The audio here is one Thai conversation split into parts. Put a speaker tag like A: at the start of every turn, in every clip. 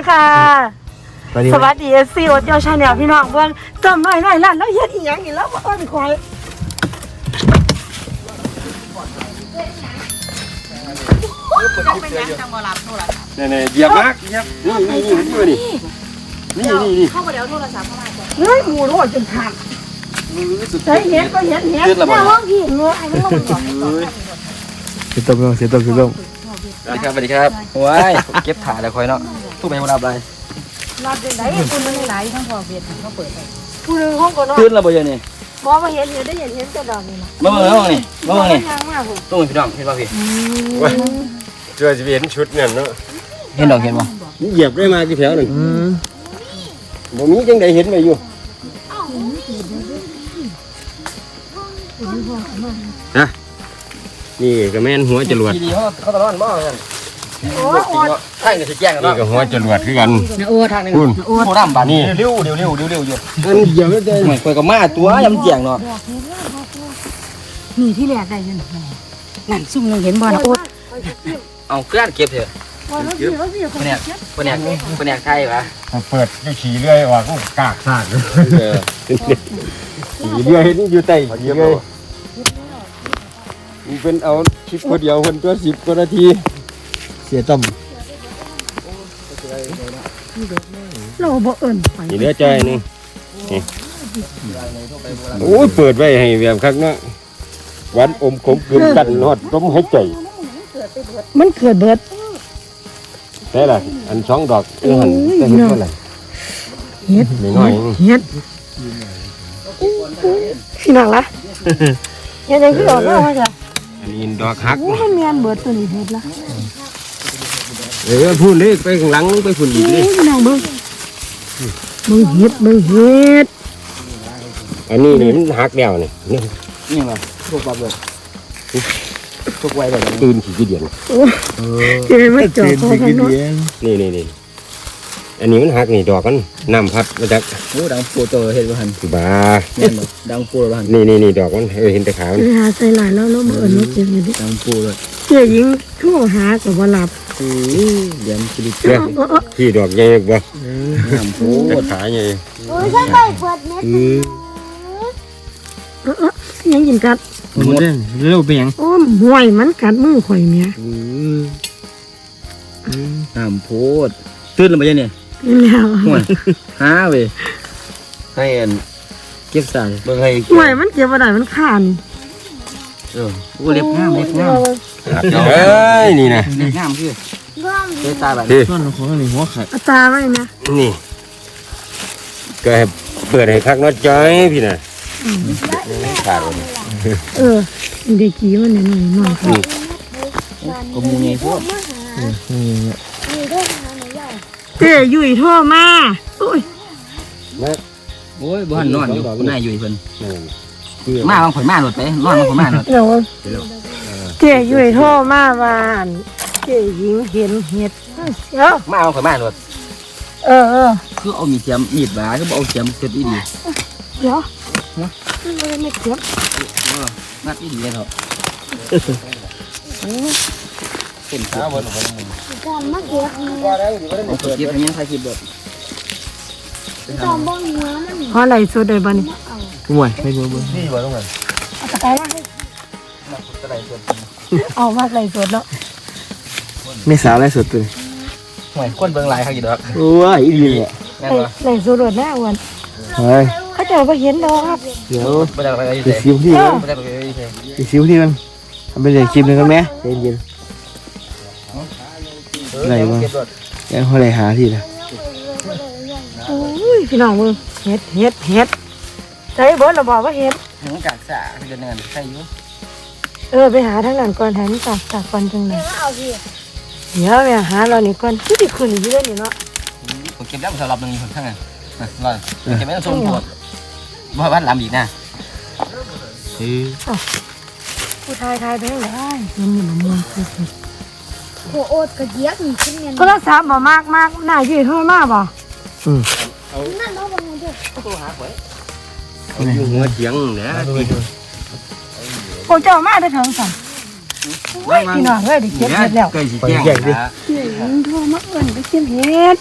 A: ค่ะสวัสดีซีโอเจ้าชาแนลพี่น้องเบิ่งจำน้อยร้านแล้วเฮ็ดอีหยังอีกแล้วบ่ค่อยคอย
B: เนี่ยเหยียบมากเหยียบนี่
A: เข้ามาเดี๋ยวโทรศัพท์เข้ามาเฮ้ยหมูโรดจนขาดใช้เห็ดก็เห็ดแม่ห้องพี่เงือไอ้มันลงก่อน
C: เสียต้มสวัสดีครับว้ายเก็บถ่ายแล้วคอยเนาะทุกไปมารับอะไร
A: รับได้ไหนคุณมันไหลทั้งพอเบียดเขาเปิดไปคุณห้องก่อนเนาะ
C: ตื่นแล้วบ่ยังนี่
A: บ่มาเห็นได้เห็นแต่ดอกนี่นะ
C: มาเบิ่งนี่ต้องพี่น้องเห็นป่ะพี่
B: เจอจะเห็นชุดเนี่ยเนาะ
C: เห็นดอกเห็นป่ะ
B: นี่เหยียบได้มากี่แถวหนึ่งบ่มีจังใดเห็นไปอยู่ฮะนี่ก็แม่นหัวจรวด
C: เขาตะร้อนบ่กันโอ้ทางนี่สิแจ้งกันเนาะ
B: นี่ก็หัวจรวดคือกัน
C: โอ้ทางนึงโอ้น้ำบาดนี่เร็วอยู่
B: อันเหยียบได้
C: เหมือนคอยกับมาตัวยำแจ้งเนาะ
A: นี่ที่แรกได้ยันนั่นซุ่มยังเห็นบ่นะโอ๊ต
C: เอาเกลือเก็บเถอะคนแนกไทยปะ
B: เปิดอยู่ขี่เรื่อยว่าก็กากซากขี่เรื่อยเห็นอยู่ใต้ขี่เรื่อยมันเป็นเอาชิปคนเดียวคนตัว10 กว่านาทีเสียต้ม
A: เราบ่เอิ้นไป
B: นี่เหลือใจนึงโอ้ยเปิดไว้ให้แบบคักเนาะวันอมขมกลืนกันนอดต้มให้ใจ
A: มันเกิดเบิด
B: แต่ละอัน2 ดอกหันจะเห็นเท่าไหร่
A: เฮ็ด
B: น้อย
A: เฮ็ดพี่น้องละเฮ็ดยังคือออกมาว่าจ้ะ
B: อันนี้ดอกฮัก
A: มันเมียนเบิดตัวนี้เฮ็ดละ
B: พูดเลยไปข้างหลังไปฝุ่นอีกเลย
A: พี่น้องเบิ่งเฮ็ด
B: อันนี้นี่มันฮักแล้ว
C: นี่มาพวกปลาเบิดพวกไว้แบบ
B: ตื่นขี้เดียน
A: เจอมันจ่อคอกันเนาะ
B: นี่อันนี้มันฮักนี่ดอกมันน้ำพัดมาจาก
C: โอ้ดังปูโตเห็นบ่หัน
B: บ้า
C: ดังปูบ่หัน
B: นี่ดอกมันเห็นแต่ขาว
A: นี่หาใส่หลายแล้วบ่เอิ้นว่าเจ็บอยู่ดิ
C: ดังปูเลย
A: เจ้าหญิงโทรหาก็บ่รับ
C: เดี๋ยวมันสิดิ
B: ที่ดอกใหญ่บ่
C: น้ำปู
B: ขาใหญ่
A: โอ้ยฉันไปเปิดเน็ตยังกินกัด
C: มันเด้เร็วไปยัง
A: โอ้ห่วยมันกัดมือข่อยเมีย
C: น้ำปูตื่นแล้วบ่ยังนี่
A: แล้ว
C: ห่วยหาเว้ยให้เก็บใส่เบิ่งให้
A: ห่วยมันเก็บบ่ได้มันขาด
C: กูเล็บงาม
B: นี่นะ
C: เล็บงามคือเตาแบบส่วนของนี่หัวขาด
A: ตาไว้นะ
B: นี่ก็ให้เปิดให้คักน้อยจ้อยพี่น่ะขาด
A: เด็กกี้มันน้อยครับ
C: ก็มูไงพวก
A: เจ้ยุ่ยโทรมาโอ้
C: ยบ้านนอนอยู่นายอยู่เพิ่นมาบางข่อยมาหลดไปนอนบางข่อยมาหลด
A: เจ้ยุ่ยโทรมาบ้านเจ้หญิงเห็นเห็ด
C: มาบางข่อยมาหลดคือเอามีเสียมมีดบาคือเอาเสียมเก็บดี
A: เดี๋ยวไม่เก็บ
C: นัดดีเลยเถอะเป็นข้าวบนหัวมัน
A: การมาเก็บ
C: เก็บยังใครเก็บแบบ
A: เพราะอะไรสุดเลยบ้านี่
C: ห่วยไม่รู้บ้างนี่บ้าตรงไหน
A: ตะไคร้มาให้เอามาอะไรสุดแล้ว
C: ไม่สาวอะไรสุดเลยห่วยคนเบิ่งลายเขากี่ดอก
B: โอ้ยอีนี่
A: อะไรสุดเลยแน่วัน
B: เฮ้ย
A: เขาเจอไปเห็นดอกครับ
B: เดี๋ยวไปซิวที่มันทำไปเลยคลิปนึงกันไหมเย็นอะไรวะยังเขาเลยหาที่นะ
A: โอ้ยพี่น้องมึงเฮ็ดใจเบิร์ดเราบอกว่าเฮ็ด
C: ถึงกากสะเดือนเงินใช่ยุ่
A: ไปหาทั้งนั้นก่อนแทนจากก่อนจังเลยเดี๋ยวไปหาเรานี่ก่อนที่ที่คืนอยู่ด้วยนี่เนาะ
C: ผมเก็บแล้วสำหรับหนึ่งคนทั้งนั้นเลยเก็บไม่ต้องส่งปวดบ่บ้านลำอีกนะ
A: ผู้ชายไปได้มันมีมัน
D: โอ้โอดกระเจี๊ยบนี่ขึ้นเงิน
A: โทรศัพท์บ่มากหน้าอยู่โทรมาบ่
D: นั่นเราบังเอิญ
C: โทรหาไว้
B: อยู่หัวเถียงนะ
A: โอ้เจ้ามาได้ถึงสั่งพี่น้องเอ้ยได้เก็บเห็ดแล้ว
C: ใกล้สิแจ้งดิ
A: โทรมาเอิ้นไปเก็บเห็ด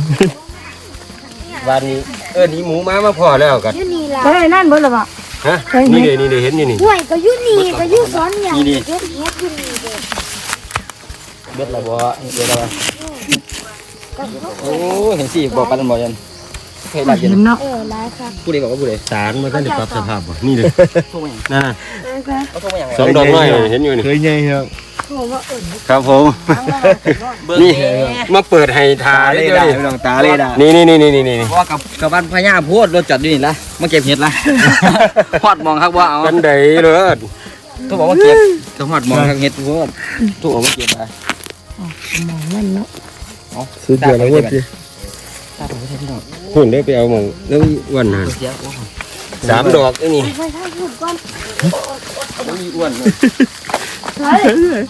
B: วันนี้นี่หมูมาพอแล้วกัน
D: อยู่นี่ล่ะ
A: เฮ้ยนั่นเบิ่งแล้วบ่
B: ฮะนี่เลยเห็นนี่
D: ห่วยก็อยู่นี่ก็อยู่สอนอย่างเก็บเฮ็ดอยู่นี่เด้อ
C: เบ็ดละบ่เบ็ดละบ่โอ้เห็นสิบอกกันบ่ยันเฮ็ดหลายเย็น
A: เนาะ
D: หลายค่ะ
C: ผู้ใดบอกว่าผู้ใด
B: สารมันก็ได้ปรับสภาพบ่นี่เลย
C: โทรมาหยัง
B: นั่น
C: เขาโทรมาหยัง
B: สองดอกน้อยเห็นอยู่นี่
E: เคยใหญ่ครับ
A: โทรมาเอิ้น
B: ครับผมนี่มาเปิดให้ทา
C: ตา
B: เล
C: เลย ย
B: เด้
C: ได้
B: อ
C: พี่น้องตาเลยได้
B: นี่
C: ว่ากับบ้านพญาโพดรถจอดอยู่นี่ละมาเก็บเห็ดละฮอดมองครับว่าเอา
B: กันไดเลย
C: ต้องบอกว่าเก็บต้องฮอดมองครับเห็ดโพดถูกเอามาเก็บมา
A: มองนั่นเนาะ
E: สุดยอดเลยเว้ย
C: ตาผมไม่ใช่พี่น้อง
B: คุณได้ไปเอาหมองแล้วอ้วนหัน
C: เสียโอ้
B: 3 ดอกนี่
D: ไปทางพูดก่อน
C: อ้วน
A: เฮ้ย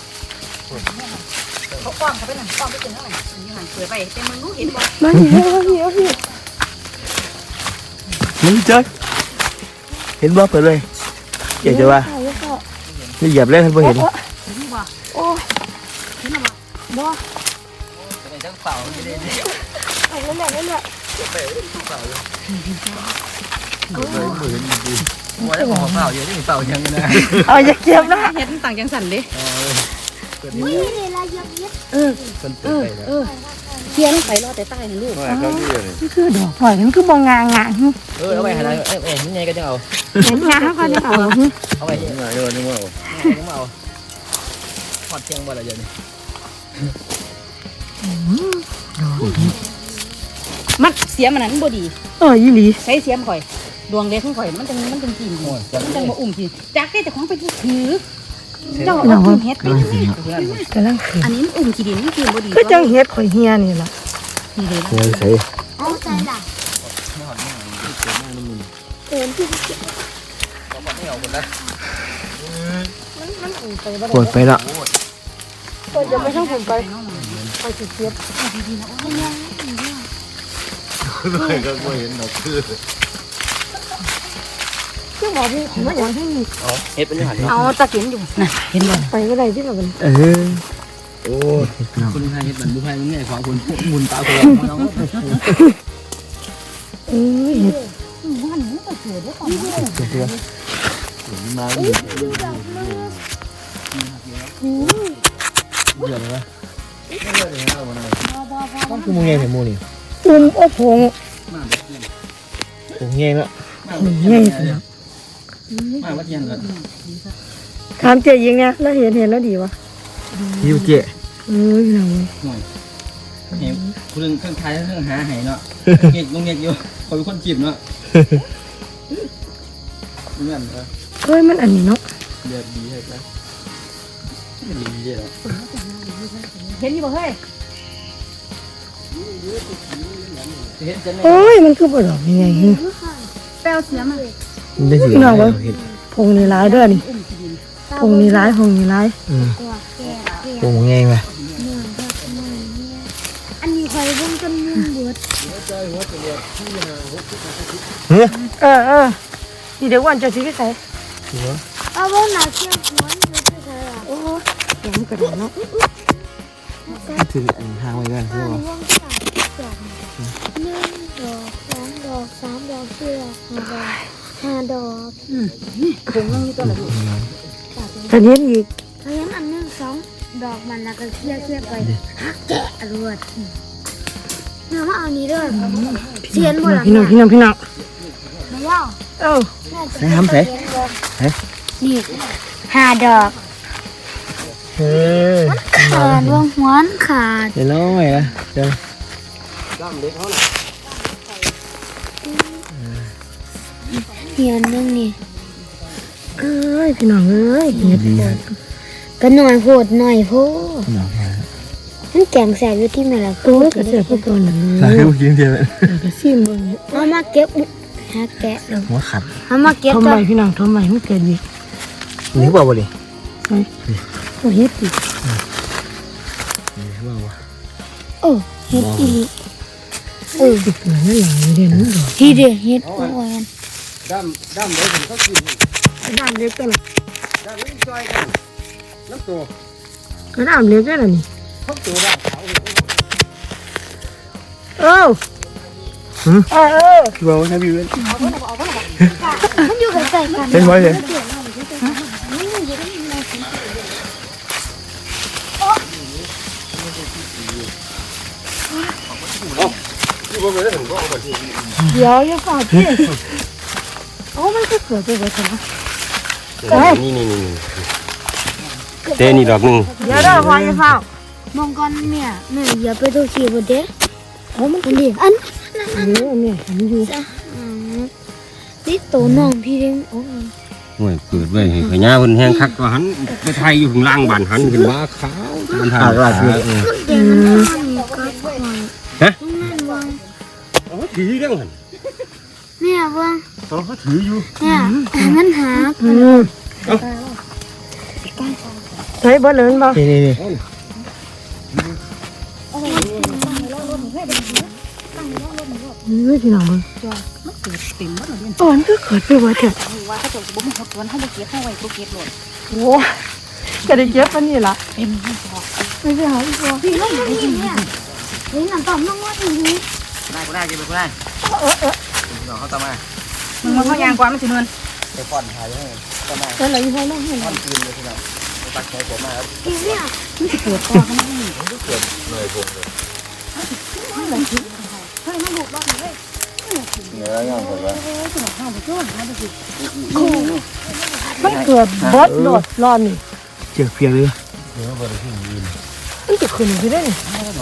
A: มันเหี่ยว
E: มึงเจ๊เห็นบ่เปิดเลยเจ๊จะว่านี่เหยียบเลยท่านผู้เห็น
A: โอ้ย
C: จังเป่าไม่ได้
A: ไปนั่นแหละ
C: หัวได้ของเป่าเยอะที่เป่ายังนะ
A: เอาอย่าเก็บนะ
F: เฮ็ดต่างจังสันเด้
D: อุ้ยนี่ล่ะเฮ็ด
F: เทียนไปรอแต่ใต้นี่ลูก
A: นี่คือดอกหอยมันคือบ่งางง
C: เอาไปหาอะไรนี่ไงก็จะเอา
A: เห็นงาเขาก็จะเอา
C: เอาไปนี่มาเดี๋ยวนึกว่าเอาฮอดเที่ยงบ่ละเดี๋ยวนี้
F: มันเสียมันนั้นบ่ดี
A: ยี่หลี
F: ใช้เสียมข่อยดวงเล็กของข่อยมันจังกินมันจังบ่อุ้มทีจักได้แต่ของไปถือเจ้าเอากินเฮ็ดไปนี่
A: กำลัง
F: อันนี้มันอุ้มขี้ดินมันกินบ่ดี
A: ก็จังเฮ็ดข่อยเฮียนี่ล่ะ
F: นี่เด้
E: เฮ้ยใส่
D: เอาใจล่ะเอิ้นที่
E: ปวดไปละ
A: ก็จะไม่ต้องผมไปไปสิเก็บซึ่งบอกพี่ผมว่าอย่างที่นี่
C: เฮ็ดเป็นยังไง
F: เอาตะเกียนอยู่น่ะเห็นบ่
A: ไปก็ได้ที่เราเป็น
E: โอ้น้ำ
C: คุณให้เฮ็ดบันบุให้แม่ของคุณบุญตาคนน้อง
A: เฮ็ด
F: มันมันก็เกิดได้ก่อน
E: มา ต้องคือมึงไงเนี่ยมูนี่
A: โอ้โห
E: ผมไงละ
A: ง่ายสิ
C: มาวัดยังกัน
A: ถามเจ๊ยิงเนี่ยแล้วเห็นแล้วดีวะ
E: ยิวเจ๊
A: หนัง
C: เห็นคุณเครื่องไทยเครื่องหาให้เนาะเงียบเงียบอยู่คอยเป็นคนจีบเนาะเงี้ย
A: เฮ้ยมันอันนี้เนาะ
C: เดือดดีเลยนะดีเลย
F: เห็นอยู่บ่เฮ้ย
C: เห็นจะ
A: โอ้ยมันคือบ่ดอกยังไง
F: แป้วเสียมา
E: มันได้สิ
A: น้องวะพงนี่ร้ายเด้อนี่พงนี่ร้ายพงนี่ร้าย
D: ตัวแก่
E: ผมไงมา
D: อันนี้ข่อยเบิ่งจนมุมเบิด
A: นี่เดี๋ยววันจะซื้อไปใส่
D: เอาบ่น่าเชื่อหัวนี่คือใครอ่ะ
A: โอ้ยมันกระโดดเนาะ
E: ถือทางไว้กันใช่
D: อัน
E: ป่ะ
D: นี้วงสามดอก1 ดอก 2 ดอก 3 ดอก 4 ดอก 5 ดอก
F: คงยังอยู่ตัวละลูก
A: แต่เนี้ยอีก
D: เฮ้ยอัน1 2 ดอกมันแล้วก็เคลียร์ไปแกะอรวดน้ามาเอานี้เด้อเสียนบ่ล่ะ
A: พี่น้อง
D: มาว่า
A: เอ้า
E: ใส่ทำใส่
D: นี่5 ดอก
E: เฮ้ย
D: ขาดวงหัวขาด
E: เดี๋ยวน้อยนะเดี๋ยว
D: เหียนนึงนี่
A: เอ้ยพี่น้องเอ้ยเฮ็ด
E: ดีครับ
D: ก็หน่อยโพดหน่อยโพด
E: น้องมา
D: มันแกงแสบอยู่ที่แม่ละ
A: โอ้ยกระเสือกพวกตัวนั้น
E: สา
A: เลย
E: ธุกินเดียว
A: กระซิมเบิ่ง
D: เอามาเก็บหาแกะ
E: หัวขัด
D: เอามาเก็บ
A: ทำ
D: ก่
A: ไม
D: อน
A: พี่น้องทำไมมันเกิดอีก
E: นี่บ่บ่ดิ
A: โอ้เฮ็ดอีก
E: นี่บ่บ่
D: โอ้เฮ็ดอีก
A: ติดเหมือนนั่นหลังเด่นดอก
D: ทีเดียวเฮ็ดโอ้ย
B: ดำเลยผมก็กิน
A: ด้านเล็กกัน
B: ดำไม่จอยกันน้ำตัว
A: ก็น้ำเล็กได้ล่ะนี่
B: ทั้งตัวด้านขาว
A: เออ
E: คือว่าถ้าพี่เว้น
D: มันอยู่ใกล้ๆกัน
E: เป็นไว้เลย
B: ที่ว่าไม่ได้ถึงก็เอาไปที่
A: เดี๋ยวอย่าฝากพี่มันก็เกิดไปเลยนะ
B: นี่เต้นี่ดอกนึง
A: เดี๋ยวได้พออย่าฝาก
D: มองก่อนแม่อย่าไปดูขี้บ่เด้มันดิอัน
A: เดี๋ยวเนี่ยมันอยู่
D: นี่ตัวน้องพี่เด้งโอ้
B: โอ้ยเปิดไว้ให้ขยะเพิ่นแห้งคักว่าหันไปไทยอยู่ข้างล่างบ้านหันขึ้นมาขาวมันทานราดเ
D: เดี๋ยวมันนอนนี่ก็ปล่อยนั่นวาง
B: อาถือเรื่องหัน
D: แม่วาง
B: เขาถืออยู่
D: เนี่ยมันหา
A: ใช้เบิร์ดเลยบ่
E: นี่
A: พี่น้องมึง
F: มันเกิดเต็มหมดเลย
A: มันก็เกิดไปว่าเถอะ
F: ว่าเขาจะบ่มีเขาสวนเขาบ่เก็บเขาไว้บ่เก็บหมด
A: โอ้ก็ได้เก็บปันนี่ล่ะ
F: เต็มที่พอ
A: ไม่ใช่หาอีกบ่
D: พี่น้องนี่เนี่ยนี่น้ำตาลน้องว่าอย่างนี้
C: ได้เก็บไปได้เดี๋ยวเขาตามมา
F: มันเขายางกว่ามันสิเมิน
C: ไปป้อนถ่ายให้ก็มา
A: แต่ละยี่ห้อน้องเห็น
C: ป้อนคืนเลยพี่น้องไปตักใช้ผมมาครับ
D: พี่เนี่ย
F: มันสิเกิดต่อกันนี่
C: เหนื่อยผมเลยเหนื่อยงานผมแล้ว
A: มันเกิดบดโดดร้อนนี่
E: เจียกเพียงเลย
A: มันจะขึ้นไปได้นี่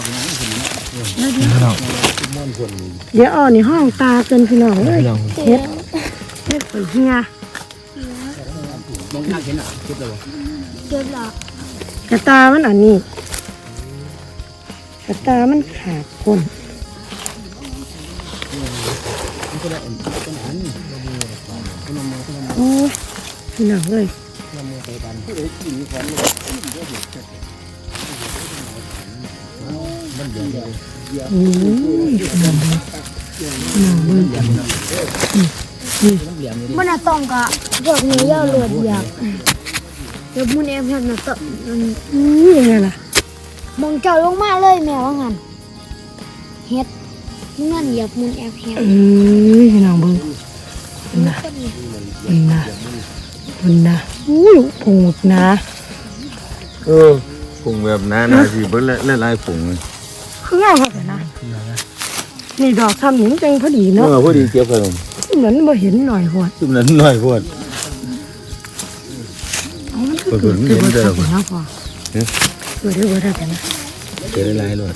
E: พี่น้อง
A: เดี๋ยวนี่ห้องตาเกินพี่น้องเลย
E: พี่น้อง
A: เฮ็ดเปิดเฮีย
C: มองหน้าเห็นอ่ะคิดเลย
D: เกิดหรอก
A: ระตามันอันนี้กระตามันขาดคนโอ้ยพี่น้องเลย
D: มันน่ะต้องกะเกิดเนื้อยาวหลวดอยากเดี๋ยวมุนเอ็มเห็นน่ะต้อง
A: ยังไงล่ะ
D: มองเจ้าลงมาเลยแม่ว่างั้นเฮ็ดนั่นเหยียบมุนแอบเฮ็ด
A: พี่น้องเบิ่งนะนะอุ้ยผงนะ
B: ผงแบบนั้นสิเบิ่งหลายๆผง
A: คืองามมากเลยนะนี่ดอกทำหนิงจังพอดีเนาะ
B: พอดีเก็บขนม
A: เหมือนบ่เห็นหน่อยหัว
B: ซุ่มนั้นหน่อยพวด
A: มันก็เกิดขึ้นมาจากนะพ่อเกิดได้เบิดได้นะ
B: เก็บหลายๆหลอด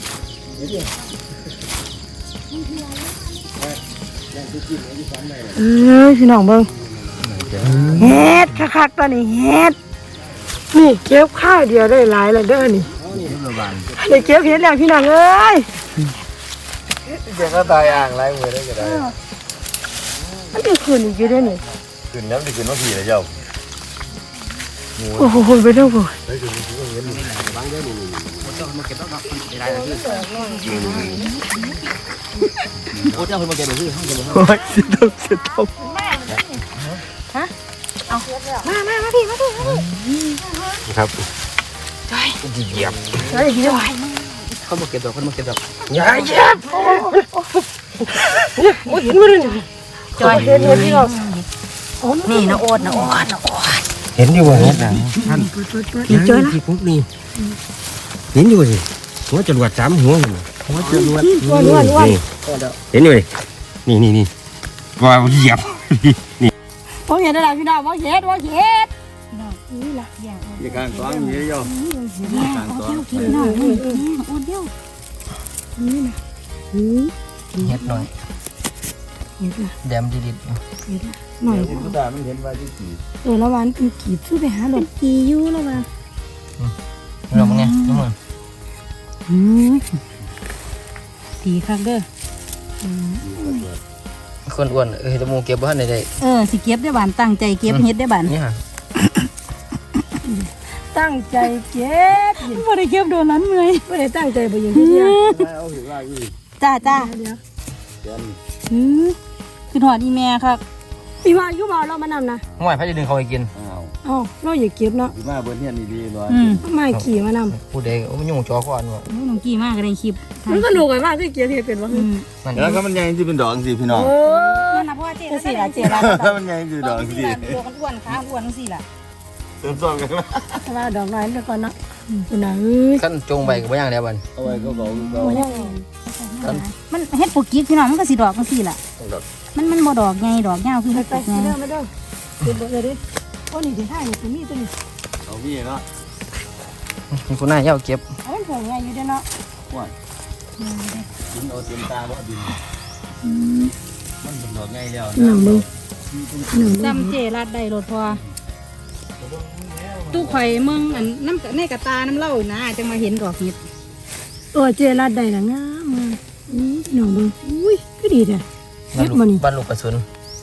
A: พี่น้องเบิ่งเฮ็ดคักๆตัวนี้เฮ็ดนี่เก็บข้าวเดียวได้หลายแล้วเด้อนี่ได้เก็บเฮ็ดแล้วพี่น้องเอ้ย
B: เดี๋ยวก็ตายอ่างหลายมือได้ก็ได้
A: มันจะขึ้นอีกอยู่เด้อนี่
B: ขึ้นน้ำสิขึ้นว่าผีเลยเจ้า
A: โอ้โหไปเด้อบ่
C: มาเก็บแล้วเนาะได้เลยพี่โอ้เจ้าคนมาเก็บเลยพี่ห้องเก็บเลย
E: โอ้ยสิต้ม
F: มาพี่
B: ครับ
A: เหยียบได้กี่วัน
C: เขามาเก็บดอกเขามาเก็บดอก
B: อย่าเหยียบ
A: โอ้ยเห็นบ่ได้นี่
F: จอย
A: เห็นเลยพี่น้อง
F: นี่นะโอด
B: เห็นอยู่ว่าเห็นนะท่าน
A: นี่จ้อยนะ
B: ที่พวกนี้เห็นอยู่สิหัวจรวด3หัวหัวจรวด
A: วัน
B: เห็นอยู่นี่ว่าเหยียบนี่
A: บ่เห็นได้ล่ะพี่น้องบ่เห็นนี่ล่ะ
B: มีการซ้อมอย่างนี้โย
F: การซ้อมกินหน่อยโอดเดียว
C: เห็ดหน่อย
A: เห็นล่ะ
C: แดมดิด
A: หน่อย
B: ผู้ตามันเห็นว่าที่ขี่
A: ละวันเป็นกีบซื้อไปหาดอกกีอยู่ละวัน
C: เราเป็นไงทุกคน
F: ดีคักเด้อ
C: คนอ้วนตะมูเก็บบ้านได้
F: สิเก็บได้บานตั้งใจเก็บเฮ็ดได้บาน
C: นี่ฮะ
A: ตั้งใจเก็บ
F: บ่ได้เก็บโดนนั้นเมื่อย
A: ไม่ได้ตั้งใจไปอย่างที่เดียว
B: เอาถือว่าอยู่
F: จ้า
A: เดี๋ยว
F: คือหอดอีแม่ครับ
A: พี่ว่าอยู่บ่เรามานำนะ
C: ห่วยพระจะดึงเขาไปกิน
A: เอาอ๋อเราอย่าเก็บเนาะ
C: มาเบิ้ลเฮียนดีๆหน่อย
A: มาขี่มานำ
E: ผู้ใดโอ้มันยุ่งจอก่อนว่ะ
F: น้องกี้มากก็ได้คลิป
A: มันสนุกมากคือเก็บเห็ดเป็นว่า
C: แล้วก็มันยังที่เป็นดอกสิพี่น้อง
F: นั่นนะเพราะว่าเจ๊ก็สิล่ะเจ๊ล่ะ
C: ถ้ามันยังที่ดอกสิ
F: ตัวกันอ้วนขาอ้วนจังซี่ล่ะ
C: เติมซ้อมกันมา
A: ถ้าว่าดอกน้อยเดี๋ยวก่อนเนาะคุณน่ะ
E: ขั้นจงไปก็บ่ย่างแล้วบัด
C: เอาไว้ก็บอกก็
A: โอ้ย
F: มันเฮ็ดปลูกกิ๊กพี่น้องมันก็สิดอกจังซี่ล่ะมันบ่ดอกใหญ่ดอกยาวคือเฮ็ด
A: ไป
F: ปลูก
A: เด้
F: ไง
A: อไม่เด้อเก็บเลยดิโอ้นี่สิท่านี่คือมีตัวนี้
C: เอาพี่เนาะ
E: มีคนหน้าเย้าเก็บ
A: เอามันผงไงอยู่เด้อเนาะ
C: ว่าดินเอาเต็มตาบ่ดินมันเป็นดอกไงแล้ว
A: หนังมึง
F: จำเจรัดได้รถพอตู้ข่อยมึงอันน้ำในกระตาน้ำเหล้านะจังมาเห็นดอกเห็ด
A: เจรัดได้ละงามมากหนังมึงอุ้ยก็ดีเด้อเฮ็ดบ่นี่
E: บ้านลูกกระสุน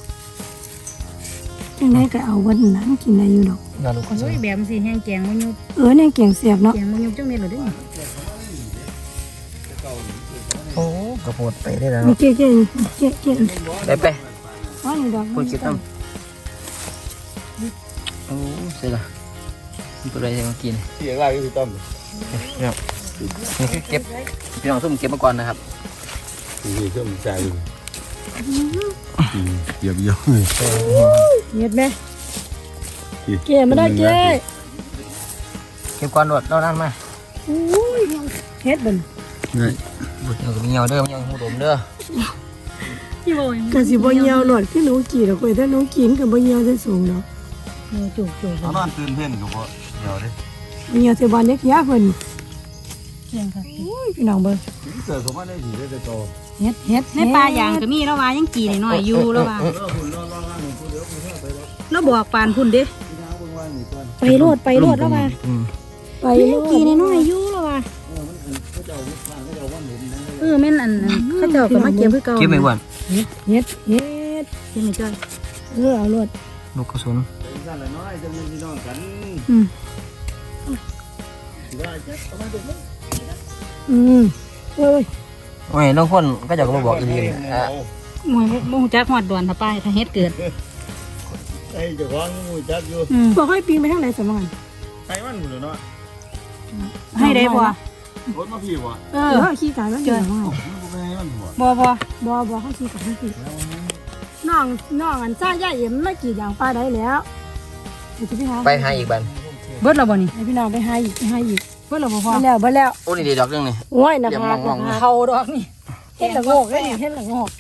A: จังได๋ก็เอาวันนั้นกินได้อยู่ดอก
E: บ้านลูกกระสุ
F: โอ้
E: น
F: ยแบบสิแห้งแกงมันยุบ
A: เนี่ยเก่งเสียบเนาะ
F: แกงมันยุบจังเม็ดเลยเด้อ
E: โอ้กระโพดไปได้แล้ว
A: มีเจ๊เจ๊เจ๊เจ๊
E: ไป
A: อ๋อนี่ดอก
E: พูดคิดตั้งโอ้เสร็จละมีตัวใดจะมากิน
C: ที่อะไรก็คือต้ม
E: นี่คือเก็บพี่น้องส้มเก็บมาก่อนนะครับ
C: นี่เครื่องใจเยียบยอ
A: เฮ็ดแม่เจ๊มาได้เจ๊
E: เก็บก่อนรวดเล่านั่นมา
A: อุ้ยเฮ็ดบ่น
E: บุญเงากับมีเงาเด้อมีเงาหูดมเด้อ
F: พี่โบย
A: ก็สิบ่เหี่ยวหลอดคือหนูกี่ดอกเว้ยถ้าหนูกินก็บ่เหี่ยวได้สูงดอก
F: มือจุก
C: เอานอนตื่นเพ่นกับพ่อเดี๋ยวดิ
A: เหี่ยวสิบ่เล็กยาเพิ่น
F: เพียงค่ะ
A: อุ้ยพี่น้องเบิ่ง
C: เกิดสมมติได้ผีได้โต
A: เฮ็ดเฮ็ด
F: ในปลาอย่างก็มีแล้วว่ายังกี่หน่อยอยู่แล้วว่าแล้วบอกปานพุ่นเด้
A: ไปโลดไปโลดแล้วว่าไปโลด
F: กี่น้อยอยู่แล้วว่าแม่นอันเขาเจ้าก็มาเก็บคือเก่า
E: เก็บไม่หวาน
A: เฮ็ด
F: เก็บไม่จ้อย
A: เอาโลด
E: ลูกกระสุน
C: สั้นละน้อยจะมีพี่น้องกัน
A: โอ้ย
E: โอ้ยน้องคนก็จะมาบอกอีลีอ่ะ
F: มวยบ่ฮู้จักฮอดดวนถ้าไปถ้าเฮ็ดเกิด
C: ไอ้เจ้าของมูจักอยู่
A: บ่ค่อยปีนไปทางไหนสมอง
C: ไอ้มันหมดเลยเนาะ
F: ให้ได้บ่
C: รถมาพี่วะ
A: ขี้กายมันเกิน
C: มันไปให้มันหัว
F: บ่
A: เขาขี้กายมันขี้น้องอันซ่าย่าเอ็มไม่กี่อย่างปลาได้แล้วจะไปหา
E: ไปหาอีกบัน
F: เบิดแล้วบ่นี่
A: ให้พี่น้องไปหาอีก
F: เบิดแล้วบ่พอ
A: ไปแล้ว
E: โอ้นี่ดีดอกนึงนี่
A: โอ้ยนะ
E: อย่า
A: คะ
E: มอง
F: เขาดอกนี่
A: เฮ็ดละโงกได้เฮ็ดละโงก